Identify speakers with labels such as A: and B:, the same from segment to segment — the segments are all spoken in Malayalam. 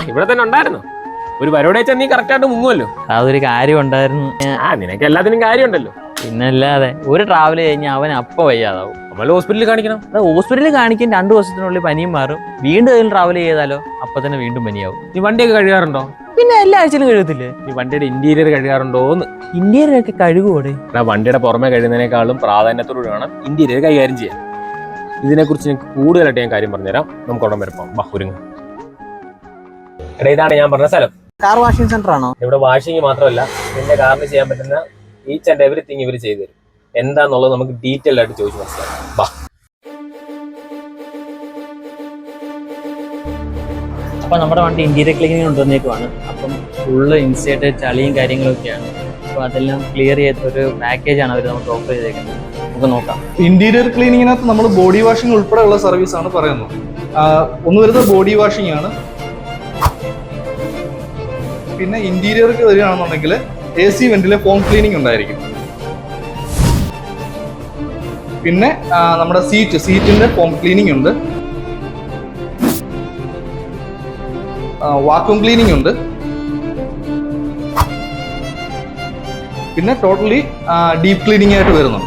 A: ഇവിടെ തന്നെ ഉണ്ടായിരുന്നു. ഒരു പരിപാടി വെച്ചാൽ നീ കറക്റ്റ് ആയിട്ട് മുങ്ങുമല്ലോ.
B: അതൊരു കാര്യം ഉണ്ടായിരുന്നു.
A: നിനക്ക് എല്ലാത്തിനും കാര്യമുണ്ടല്ലോ.
B: പിന്നല്ലാതെ ഒരു ട്രാവൽ കഴിഞ്ഞാൽ അവൻ അപ്പൊ വയ്യാതാവും.
A: നമ്മൾ ഹോസ്പിറ്റലിൽ കാണിക്കണം.
B: ഹോസ്പിറ്റലിൽ കാണിക്കാൻ 2 ദിവസത്തിനുള്ളിൽ പനിയും മാറും. വീണ്ടും അതിൽ ട്രാവൽ ചെയ്താലോ അപ്പൊ തന്നെ വീണ്ടും പനിയാവും.
A: നീ വണ്ടിയൊക്കെ കഴുകാറുണ്ടോ?
B: പിന്നെ എല്ലാ ആഴ്ചയിലും കഴുകത്തില്ലേ?
A: ഈ വണ്ടിയുടെ ഇന്റീരിയർ കഴുകാറുണ്ടോന്ന്?
B: ഇന്റീരിയർ ഒക്കെ കഴുകുവോടെ?
A: വണ്ടിയുടെ പുറമെ കഴുകുന്നതിനേക്കാളും പ്രാധാന്യത്തോട് വേണം ഇന്റീരിയർ കൈകാര്യം ചെയ്യാൻ. ഇതിനെക്കുറിച്ച് എനിക്ക് കൂടുതലായിട്ട് ഞാൻ കാര്യം പറഞ്ഞുതരാം. നമുക്ക് ഉടൻ വരപ്പം ഒരുങ്ങ. എടാ, ഇതാണ് ഞാൻ പറഞ്ഞ സ്ഥലം.
B: കാർ വാഷിംഗ് സെന്റർ ആണോ?
A: ഇവിടെ വാഷിംഗ് മാത്രമല്ല, നിന്റെ കാറിന് ചെയ്യാൻ പറ്റുന്ന ഈച്ച് ആൻഡ് എവറിത്തിങ് ഇവർ ചെയ്തു തരും. എന്താന്നുള്ളത് നമുക്ക് ഡീറ്റെയിൽ ആയിട്ട് ചോദിച്ചു മനസ്സിലാക്കാം.
B: അപ്പൊ നമ്മുടെ വണ്ടി ഇന്റീരിയർ ക്ലീനിങ് കൊണ്ടുവന്നേക്കുവാണ്. അപ്പം ഫുള്ള് ഇൻസൈഡ് ചളിയും കാര്യങ്ങളൊക്കെയാണ്. അപ്പൊ അതെല്ലാം ക്ലിയർ ചെയ്ത ഒരു പാക്കേജാണ് അവർ നമുക്ക് ഓഫർ ചെയ്തേക്കുന്നത്. നമുക്ക് നോക്കാം.
C: ഇന്റീരിയർ ക്ലീനിങ്ങിനകത്ത് നമ്മൾ ബോഡി വാഷിംഗ് ഉൾപ്പെടെയുള്ള സർവീസ് ആണ് പറയുന്നത്. ഒന്ന് വരുന്നത് ബോഡി വാഷിംഗ് ആണ്. പിന്നെ ഇന്റീരിയർക്ക് വരികയാണെന്നുണ്ടെങ്കിൽ AC വെന്റിലെ ഫോം ക്ലീനിങ് ഉണ്ടായിരിക്കും. പിന്നെ നമ്മുടെ സീറ്റിന്റെ ഫോം ക്ലീനിങ് ഉണ്ട്. വാക്യൂം ക്ലീനിങ് ഉണ്ട്. പിന്നെ ടോട്ടലി ഡീപ്പ് ക്ലീനിങ് ആയിട്ട് വരുന്നുണ്ട്.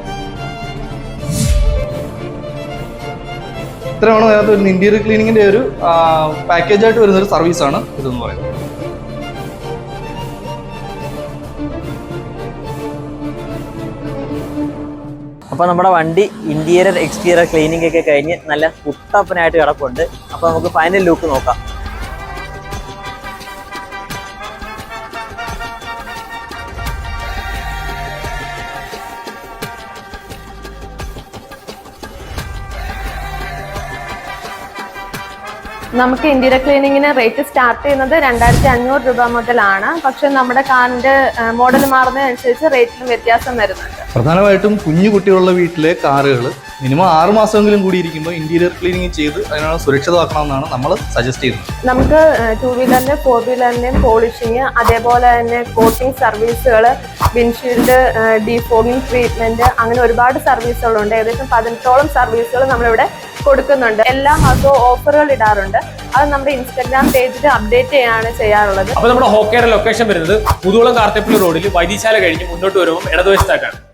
C: ഇത്രയാണ് അതിനകത്ത് വരുന്ന ഇന്റീരിയർ ക്ലീനിങ്ങിന്റെ ഒരു പാക്കേജ് ആയിട്ട് വരുന്ന ഒരു സർവീസാണ് ഇതെന്ന് പറയുന്നത്.
B: അപ്പോൾ നമ്മുടെ വണ്ടി ഇന്റീരിയർ എക്സ്റ്റീരിയർ ക്ലീനിങ് ഒക്കെ കഴിഞ്ഞ് നല്ല കുട്ടപ്പനായിട്ട് കിടപ്പുണ്ട്. അപ്പോൾ നമുക്ക് ഫൈനൽ ലുക്ക് നോക്കാം.
D: നമുക്ക് ഇന്റീരിയർ ക്ലീനിങ്ങിന് റേറ്റ് സ്റ്റാർട്ട് ചെയ്യുന്നത് 2500 രൂപ മുതലാണ്. പക്ഷെ നമ്മുടെ കാറിന്റെ മോഡൽ മാറുന്നതനുസരിച്ച് റേറ്റിലും വ്യത്യാസം വരുന്നുണ്ട്.
C: പ്രധാനമായിട്ടും കുഞ്ഞു കുട്ടികളുള്ള വീട്ടിലെ കാറുകൾ മിനിമം 6 മാസമെങ്കിലും കൂടി ഇരിക്കുമ്പോൾ ഇന്റീരിയർ ക്ലീനിങ് ചെയ്ത് അതിനാണ് സുരക്ഷിതമാക്കണമെന്നാണ് നമ്മൾ സജസ്റ്റ് ചെയ്യുന്നത്.
D: നമുക്ക് 2 വീലറിന്റെ 4 വീലറിന്റെയും പോളിഷിങ്, അതേപോലെ തന്നെ കോട്ടിംഗ് സർവീസുകൾ, വിൻഷീൽഡ് ഡീഫോഗിംഗ് ട്രീറ്റ്മെന്റ്, അങ്ങനെ ഒരുപാട് സർവീസുകളുണ്ട്. ഏകദേശം 18ഓളം സർവീസുകൾ നമ്മളിവിടെ കൊടുക്കുന്നുണ്ട്. എല്ലാ മാസവും ഓഫറുകൾ ഇടാറുണ്ട്. അത് നമ്മുടെ ഇൻസ്റ്റാഗ്രാം പേജിൽ അപ്ഡേറ്റ് ചെയ്യാറുള്ളത്.
A: അപ്പൊ നമ്മുടെ ഹോക്കയുടെ ലൊക്കേഷൻ വരുന്നത് മുതുകുളം കാർത്തേപ്പള്ളി റോഡിൽ വൈദ്യശാല കഴിഞ്ഞ് മുന്നോട്ട് വരുമ്പോൾ ഇടതുവശത്തായിട്ടാണ്.